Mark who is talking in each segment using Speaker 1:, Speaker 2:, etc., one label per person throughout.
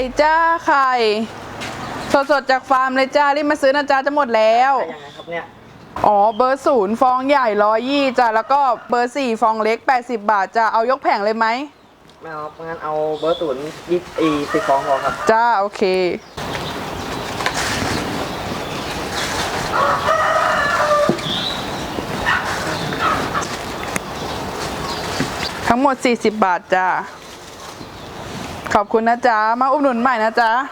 Speaker 1: จ้าไข่สดๆจากฟาร์มเลยจ้ารีบมาซื้อนะจ้าจะหมดแล้ว
Speaker 2: ยังไงครับเนี่ย
Speaker 1: อ๋อเบอร์0ฟองใหญ่120จ้าแล้วก็เบอร์4ฟองเล็ก80 บาทจ้าเอายกแผงเลยไหม
Speaker 2: ไม่เอางั้นเอาเบอร์10 ฟองพอครับ
Speaker 1: จ้าโอเคทั้งหมด40 บาทจ้าขอบคุณนะจ๊ะมาอุดหนุนใหม่นะจ๊ะ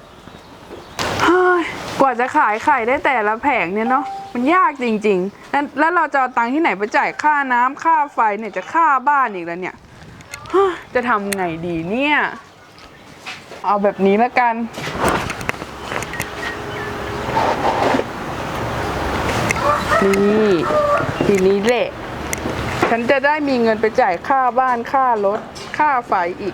Speaker 1: กว่าจะขายไข่ได้แต่ละแผงเนี่ยเนาะมันยากจริงๆแล้วเราจะเอาตังค์ที่ไหนไปจ่ายค่าน้ำค่าไฟเนี่ยจะค่าบ้านอีกแล้วเนี่ยจะทำไงดีเนี่ยเอาแบบนี้แล้วกันนี่ทีนี้แหละฉันจะได้มีเงินไปจ่ายค่าบ้านค่ารถค่าไฟอีก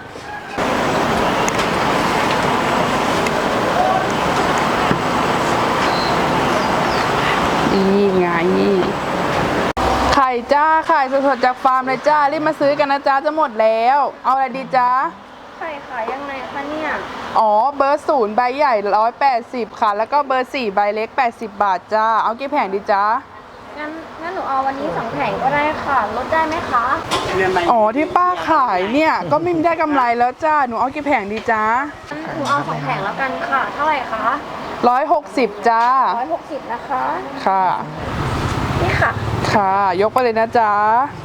Speaker 1: นี่ไงไข่จ้าไข่สดๆจากฟาร์มเลยจ้ารีบมาซื้อกันนะจ้าจะหมดแล้วเอาอะไรดีจ้า
Speaker 3: ไข่ขายยังไงคะเนี่ย
Speaker 1: อ๋อเบอร์0ใบใหญ่180ค่ะแล้วก็เบอร์4ใบเล็ก80 บาทจ้าเอากี่แผงดีจ้า
Speaker 3: งั้นหนูเอาวันนี้2 แผงก็ได้ค่ะลดได้ไหมคะ
Speaker 1: อ๋อที่ป้าขายเนี่ยก็ไม่ได้กำไรแล้วจ้าหนูเอากี่แผงดีจ้า
Speaker 3: หนูเอา2 แผงแล้วกันค่ะเท่าไหร่คะ
Speaker 1: 160จ้า
Speaker 3: 160นะคะ
Speaker 1: ค่ะ
Speaker 3: นี่ค่ะ
Speaker 1: ค่ะยกไปเลยนะจ๊ะ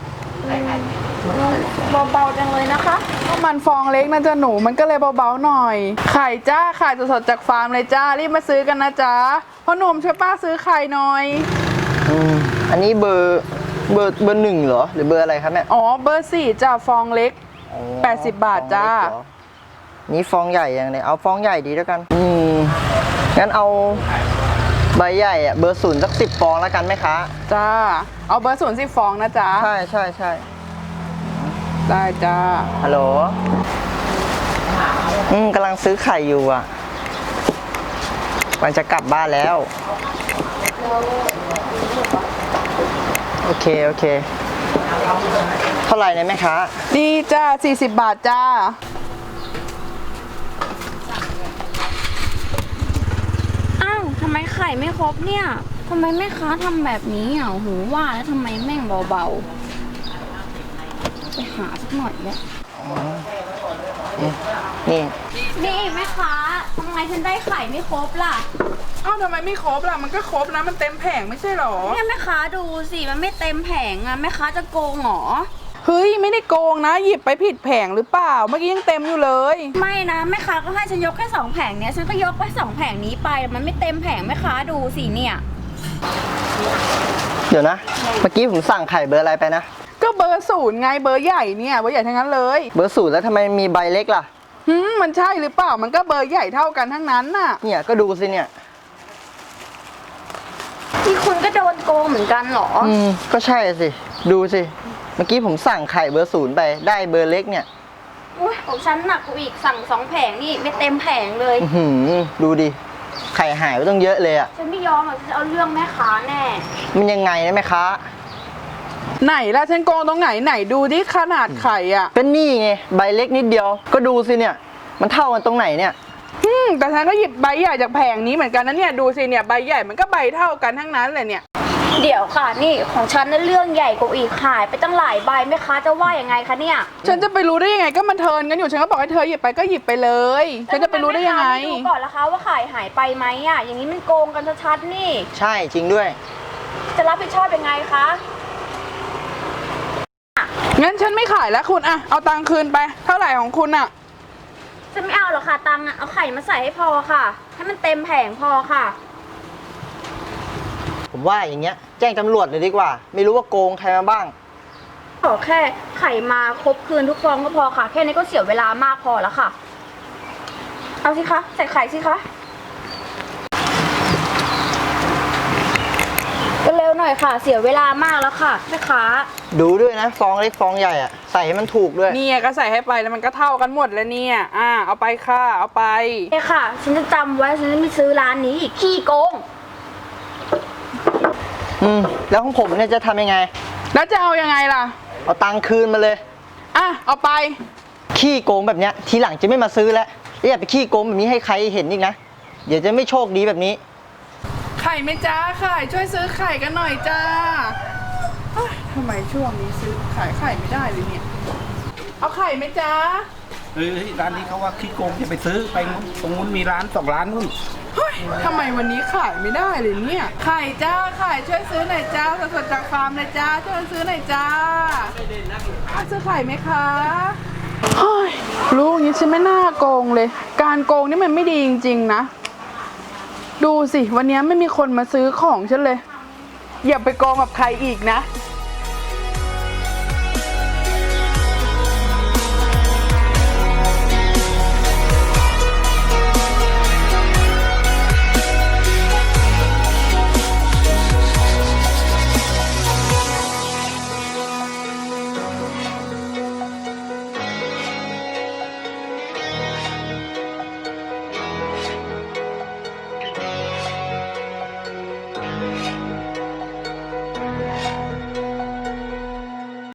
Speaker 3: เบาๆจังเลยนะคะ
Speaker 1: ก็มันฟองเล็กนะจ๊ะหนูมันก็เลยเบาๆหน่อยไข่จ้าไข่สดๆจากฟาร์มเลยจ้ารีบมาซื้อกันนะจ๊ะพ่อหนุ่มช่วยป้าซื้อไข่หน่อย
Speaker 2: อันนี้เบอร์1เหรอหรือเบอร์อะไรครับแม่
Speaker 1: อ๋อเบอร์4จ้าฟองเล็ก80 บาทจ้า
Speaker 2: นี่ฟองใหญ่ยังไงเอาฟองใหญ่ดีแล้วกันงั้นเอาใบใหญ่อะเบอร์0สัก10 ฟองแล้วกันไหมคะ
Speaker 1: จ้าเอาเบอร์0 10 ฟองนะจ๊ะ
Speaker 2: ใช่
Speaker 1: ได้จ้า
Speaker 2: ฮัลโหลกำลังซื้อไข่อยู่อ่ะวันจะกลับบ้านแล้วโอเคเท่าไหร่เนี่ยแม่ค้า
Speaker 1: นี่จ้า40 บาทจ้า
Speaker 3: ทำไมไข่ไม่ครบเนี่ยทำไมแม่ค้าทำแบบนี้อ่ะหูว่าแล้วทำไมแม่งเบาๆไปหาสักหน่อยเนี่ยนี่แม่ค้าทำไมฉันได้ไข่ไม่ครบล่ะ
Speaker 1: ทำไมไม่ครบล่ะมันก็ครบนะมันเต็มแผงไม่ใช่หรอ
Speaker 3: เนี่ยแม่ค้าดูสิมันไม่เต็มแผงอ่ะแม่ค้าจะโกงหรอ
Speaker 1: เฮ้ยไม่ได้โกงนะหยิบไปผิดแผงหรือเปล่าเมื่อกี้ยังเต็มอยู่เลย
Speaker 3: ไม่นะแม่ค้าก็ให้ฉันยกแค่2 แผงเนี้ยฉันก็ยกไป2 แผงนี้ไปมันไม่เต็มแผงแม่ค้าดูสิเนี่ย
Speaker 2: เดี๋ยวนะเมื่อกี้ผมสั่งไข่เบอร์อะไรไปนะ
Speaker 1: ก็เบอร์0ไงเบอร์ใหญ่เนี่ยเบอร์ใหญ่ทั้งนั้นเลย
Speaker 2: เบอร์0แล้วทำไมมีใบเล็กล่ะ
Speaker 1: มันใช่หรือเปล่ามันก็เบอร์ใหญ่เท่ากันทั้งนั้นน่ะ
Speaker 2: เนี่ยก็ดูสิเนี่ย
Speaker 3: ที่คุณก็โดนโกงเหมือนกันเหรอ
Speaker 2: ก็ใช่สิดูสิเมื่อกี้ผมสั่งไข่เบอร์0ไปได้เบอร์เล็กเนี่ย
Speaker 3: ของฉันหนักกว่าอีกสั่ง2 แผงนี่ไม่เต็มแผงเลย
Speaker 2: ดูดิไข่หายไปต้องเยอะเลยอ่ะ
Speaker 3: ฉันไม่ยอมหรอกฉันเอาเรื่องแม่ค้าแน่
Speaker 2: มันยังไงนะแม่ค้า
Speaker 1: ไหนล่ะฉันโกงตรงไหนดูดิขนาดไข่อ่ะ
Speaker 2: เป็นนี่ไงใบเล็กนิดเดียวก็ดูสิเนี่ยมันเท่ากันตรงไหนเนี่ย
Speaker 1: แต่ฉันก็หยิบใบใหญ่จากแผงนี้เหมือนกันนะเนี่ยดูสิเนี่ยใบใหญ่มันก็ใบเท่ากันทั้งนั้นเลยเนี่ย
Speaker 3: เดี๋ยวค่ะนี่ของฉันนั่นเรื่องใหญ่กว่าอีกขายไปตั้งหลายใบแม่ค้าจะว่ายังไงคะเนี่ย
Speaker 1: ฉันจะไปรู้ได้ยังไงก็มันเทิร์นกันอยู่ฉันก็บอกให้เธอหยิบไปก็หยิบไปเลยฉันจะไปรู้ได้ยังไง
Speaker 3: ดูก่อนละคะว่าขายหายไปไหมอ่ะอย่างนี้มันโกงกันชัดๆนี่
Speaker 2: ใช่จริงด้วย
Speaker 3: จะรับผิดชอบยังไงคะ
Speaker 1: งั้นฉันไม่ขายแล้วคุณอะเอาตังค์คืนไปเท่าไหร่ของคุณอะ
Speaker 3: ฉันไม่เอาหรอกค่ะตังค์เอาไข่มาใส่ให้พอค่ะให้มันเต็มแผงพอค่ะ
Speaker 2: ผมว่าอย่างเงี้ยแจ้งตำรวจเลยดีกว่าไม่รู้ว่าโกงใครมาบ้าง
Speaker 3: ขอแค่ไข่มาครบคืนทุกฟองก็พอค่ะแค่นี้ก็เสียเวลามากพอแล้วค่ะเอาสิคะใส่ไข่สิคะเร็วหน่อยค่ะเสียเวลามากแล้วค่ะแม่ค้า
Speaker 2: ดูด้วยนะฟองเล็กฟองใหญ่อะใส่ให้มันถูกด้วย
Speaker 1: นี่ก็ใส่ให้ไปแล้วมันก็เท่ากันหมดแล้วเนี่ยเอาไปค่ะเอาไป
Speaker 3: เนี่ยค่ะฉันจะจำไว้ฉันจะไม่ซื้อร้านนี้อีกขี้โกง
Speaker 2: แล้วของผมเนี่ยจะทำยังไง
Speaker 1: แล้วจะเอายังไงล่ะ
Speaker 2: เอาตังค์คืนมาเลย
Speaker 1: เอาไป
Speaker 2: ขี้โกงแบบเนี้ยทีหลังจะไม่มาซื้อแล้วอย่าไปขี้โกงแบบนี้ให้ใครเห็นอีกนะ เดี๋ยวจะไม่โชคดีแบบนี้
Speaker 1: ไข่ไหมจ้าไข่ช่วยซื้อไข่กันหน่อยจ้าเฮ้ยทำไมช่วงนี้ซื้อขายไข่ไม่ได้เลยเนี่ย เอาไข่ไหมจ้า
Speaker 4: เฮ้ยร้านนี้เขาว่าขี้โกงอย่าไปซื้อไปตรงนู้นมีร้าน2 ร้านนู่น
Speaker 1: เฮ้ยทำไมวันนี้ขายไม่ได้เลยเนี่ย ไข่จ้าไข่ช่วยซื้อหน่อยจ้าสดๆจากฟาร์มเลยจ้าช่วยซื้อหน่อยจ้าซื้อไข่ไหมคะเฮ้ยลูกนี้ฉันไม่น่าโกงเลย การโกงนี่มันไม่ดีจริงๆนะ ดูสิวันนี้ไม่มีคนมาซื้อของฉันเลย อย่าไปโกงกับใครอีกนะ